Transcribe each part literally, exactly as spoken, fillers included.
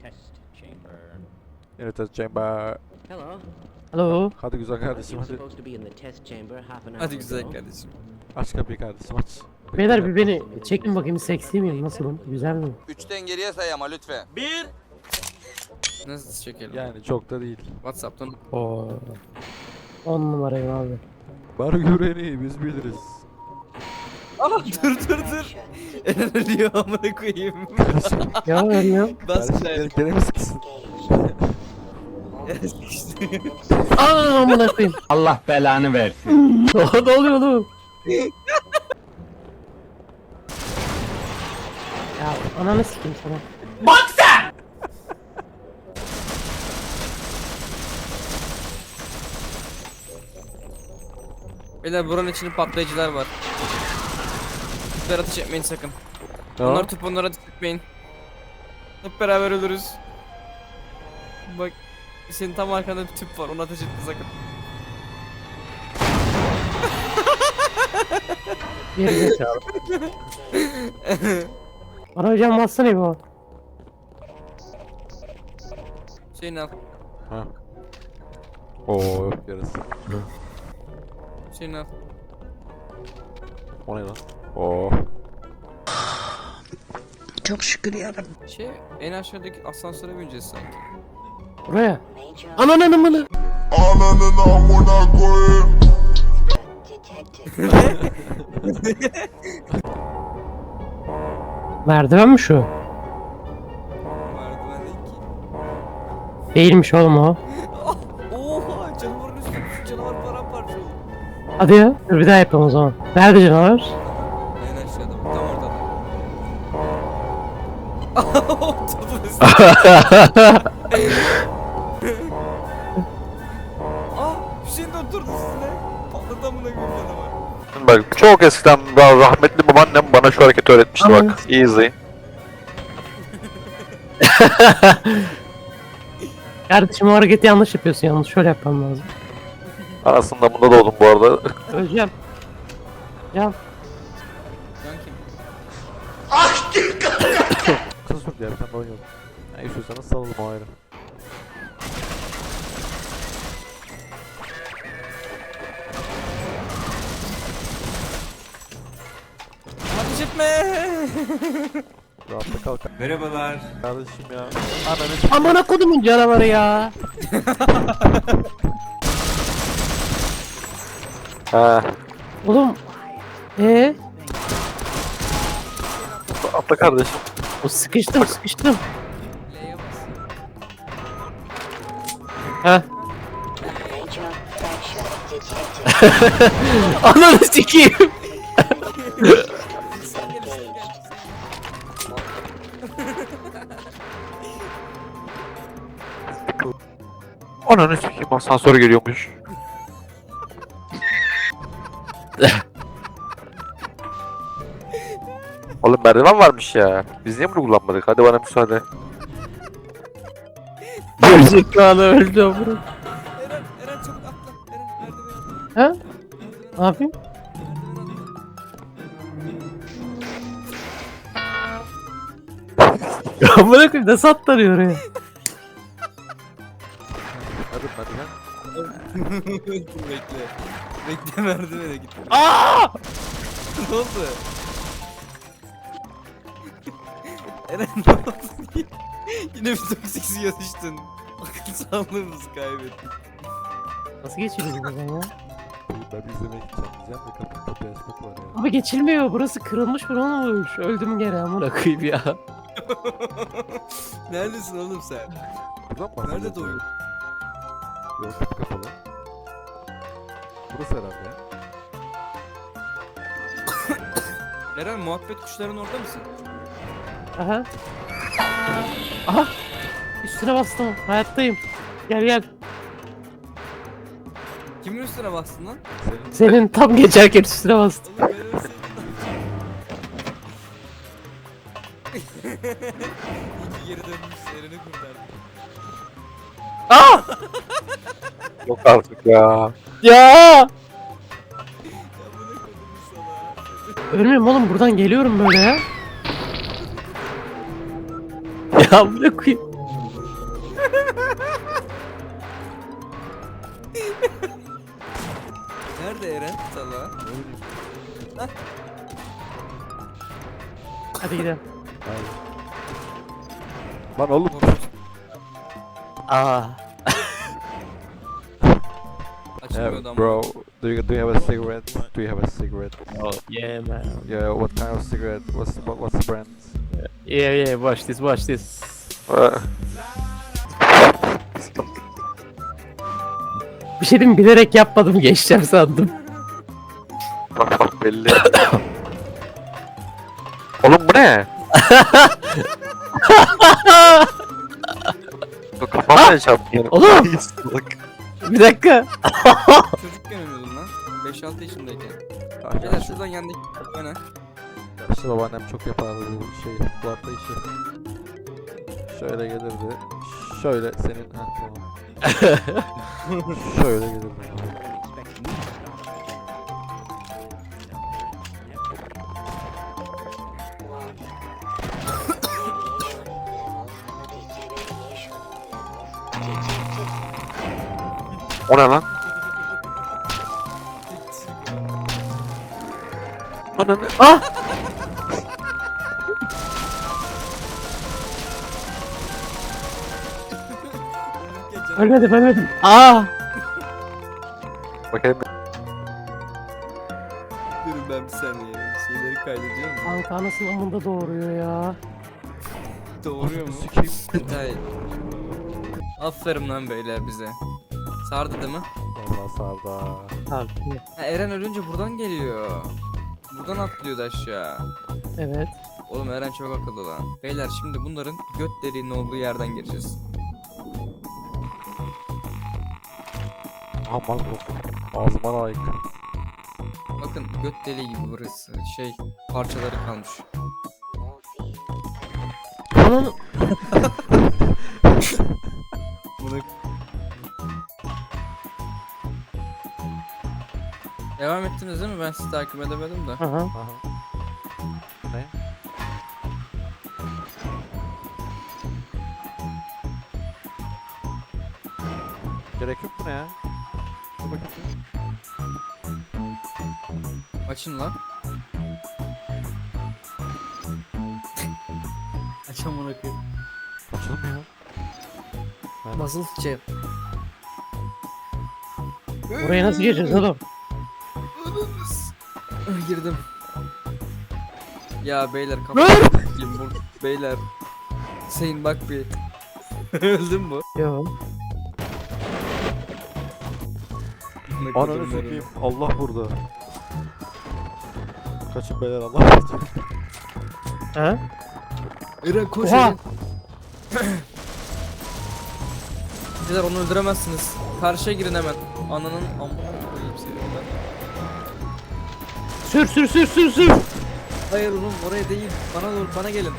In the test chamber. Hello. Hello. Hadi güzel You kardeşim were hadi. supposed to be in the test chamber half an hour Hadi güzel ago. kardeşim. Aç kapıyı kardeşim aç. Beyler bir beni çekin bakayım, seksi miyim, nasılım, güzel miyim? Üçten geriye say ama lütfen. Bir. Nasıl çekelim? Yani çok da değil. Whatsapp'tan. Oo. On numarayım abi. Bar güveni biz biliriz. Aa dur dur dur. Eren ölüyor amına koyayım. Kardeşim, Ya ölüyorum. Bas kardeşim lan. gene, gene mi sıkısın? Aa amına koyayım. Allah belanı versin. Ne oluyor oğlum? Ya ananı sikeyim sana. Beyler buranın içinde patlayıcılar var. Tüpler ateş etmeyin sakın. Tamam. Onlar tüp onlara ateş etmeyin. Hep beraber ölürüz. Bak senin tam arkanda bir tüp var, ona ateş etme sakın. Geri zekalı. Bana hocam bassana bu. Şeyini al. Ha. Oo yarısı. Şeyini al. O ne lan? Oo. Çok şükür yarabbim. Şey en aşağıdaki asansöre bineceğiz sanki. Buraya. Ananın amını. Ananın amına koyayım. Merdiven mi şu? Merdiven değil ki. Değilmiş oğlum o. Oha canavarın üstüne canavar paramparça oldu. Hadi ya. Dur bir daha yapalım o zaman. Nerede canavar? En aşağıda bak tam orada. Tadın üstüne. Aa Hüseyin de oturdu üstüne. Patladı amına koyayım canavar. Bak çok eskiden daha rahmetli babaannem bana şu hareketi öğretmişti bak. İyi izleyin. Kardeşim o hareketi yanlış yapıyorsun, yanlış şöyle yapmam lazım. Aslında bunda doğdum bu arada. Öleceğim. Ya Can kim? Kısa sürdü ya bir tane de oynayalım. Ne istiyorsanız salalım o ayrı. Ateş etme. Rahatla kalk. Merhabalar. Kardeşim ya. Ananı amına kodumun canavarı ya. Ha. Oğlum. Ee? Atla kardeşim. O sıkıştım sıkıştım. L'ye bas. Ha. Ananı sikeyim. Ananı sikeyim asansör geliyormuş. Oğlum merdiven varmış ya. Biz niye bunu kullanmadık? Hadi bana müsaade. Gerizekalı öldü amına. Eren, Eren çabuk atla. Eren merdiveni atla. Ha? Ne yapayım? Amına koyayım nasıl atlanıyor oraya? Hadi merdiven. Bekle. Bekle merdivene git. Aa! Ne oldu? Eren ne oldu? Yine bir toksik suya düştün. Akıl sağlığımızı kaybettik. Nasıl geçiyoruz buradan ya? Ben bir izlemeye gideceğim diyeceğim de kapı kapıyı açmak var ya. Abi geçilmiyor, burası kırılmış falan olmuş. Öldüm gene amına koyayım ya. Neredesin oğlum sen? Buradan mı Nerede bahsediyorsun? doğuyor? Yok kapı kapalı. Burası herhalde ya. Eren muhabbet kuşların orada mısın? Aha. Aha. Üstüne bastım. Hayattayım. Gel gel. Kimin üstüne bastın lan? Senin Senin tam geçerken üstüne bastım. Oğlum ben ölseydim. İyi ki geri dönmüş Eren'i kurtardı. Aa! yok artık ya. Ya! Ya bu ne kodumuz sana? Ölmüyorum oğlum, buradan geliyorum böyle ya. Ya amına koyayım. Nerede Eren? Sala. Hadi gidelim. Lan oğlum. Aa. Açılmıyordu ama. Bro, do you do you have a cigarette? Do you have a cigarette? Oh, yeah man. Yeah, what kind of cigarette? What's what, what's the brand? Yeah yeah watch this watch this. Uh, Bir şey diyeyim mi? Bilerek yapmadım geçeceğim sandım. bak bak belli. Oğlum bu ne? Bu kafamda çarptı yani. Oğlum! Bir dakika. Çocukken oynuyordum lan. beş altı yaşındayken. Beyler şuradan yendik. Öne. İşte babaannem çok yapardı bu şey, bu arada işi. Şöyle gelirdi. Şöyle senin... Ha tamam. Şöyle gelirdi. O ne lan? Ananı... Ah! Ölmedim ölmedim. Aa! Bakayım. Durun ben bir saniye. Şeyleri kaydediyorum. Kanka anasını amında doğuruyor ya. Doğuruyor mu? Hayır. Aferin lan beyler bize. Sardı değil mi? Vallahi sarda. Abi. Ha, Eren ölünce buradan geliyor. Buradan atlıyordu aşağı. Evet. Oğlum Eren çok akıllı lan. Beyler şimdi bunların göt deliğinin olduğu yerden gireceğiz. Aman bu. Ağzıma layık. Bakın göt deliği gibi burası. Şey parçaları kalmış. Ananı... Bunu... Devam ettiniz değil mi? Ben sizi takip edemedim de. Aha. Aha. Ne? Gerek yok mu ne ya? Dur bakayım. Açın lan. Aç amına koyayım. Açılmıyor. Ben... Basılı tutacağım. Oraya nasıl gireceğiz oğlum? Girdim. Ya beyler kapatayım bu beyler. Hüseyin bak bir. Öldün mü? Yo. Ananı sikeyim. Allah burada. Kaçın beyler Allah kaçın. Ha? Eren koş Oha! Eren. Beyler onu öldüremezsiniz. Karşıya girin hemen. Ananın amına koyayım seni ben. Sür sür sür sür sür. Hayır oğlum oraya değil. Bana doğru bana gelin.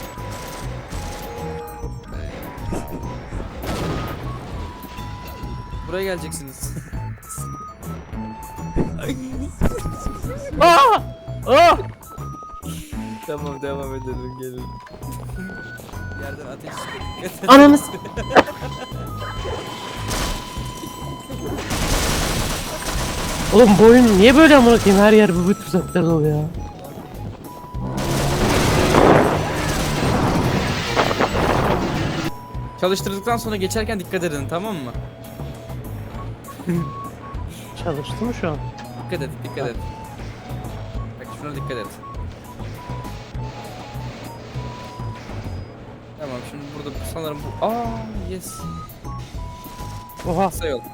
Buraya geleceksiniz. Aa! Aa! Tamam devam edelim gelin. Yerden ateş çıkıyor. Ananı s- Oğlum bu oyun niye böyle amına koyayım, her yer bu bütün tuzaklar dolu ya. Çalıştırdıktan sonra geçerken dikkat edin tamam mı? Çalıştı mı şu an? Dikkat et dikkat et. Bak şuna dikkat et. Tamam şimdi burada sanırım bu... Aa yes. Oha. Kısa yol.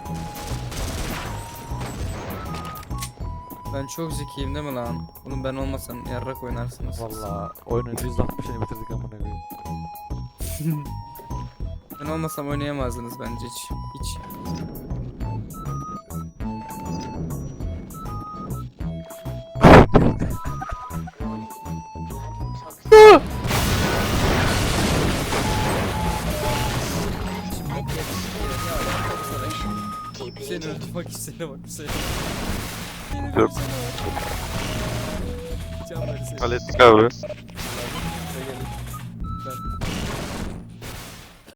Ben çok zekiyim değil mi lan? Oğlum ben olmasam yarrak oynarsınız. Valla oyunun yüzde altmışını bitirdik amına koyayım. Ben olmasam oynayamazdınız bence hiç. Hiç. Hüseyin öldü bak Hüseyin'e bak Hüseyin. Dur. Can ver Hüseyin. Hallettik abi.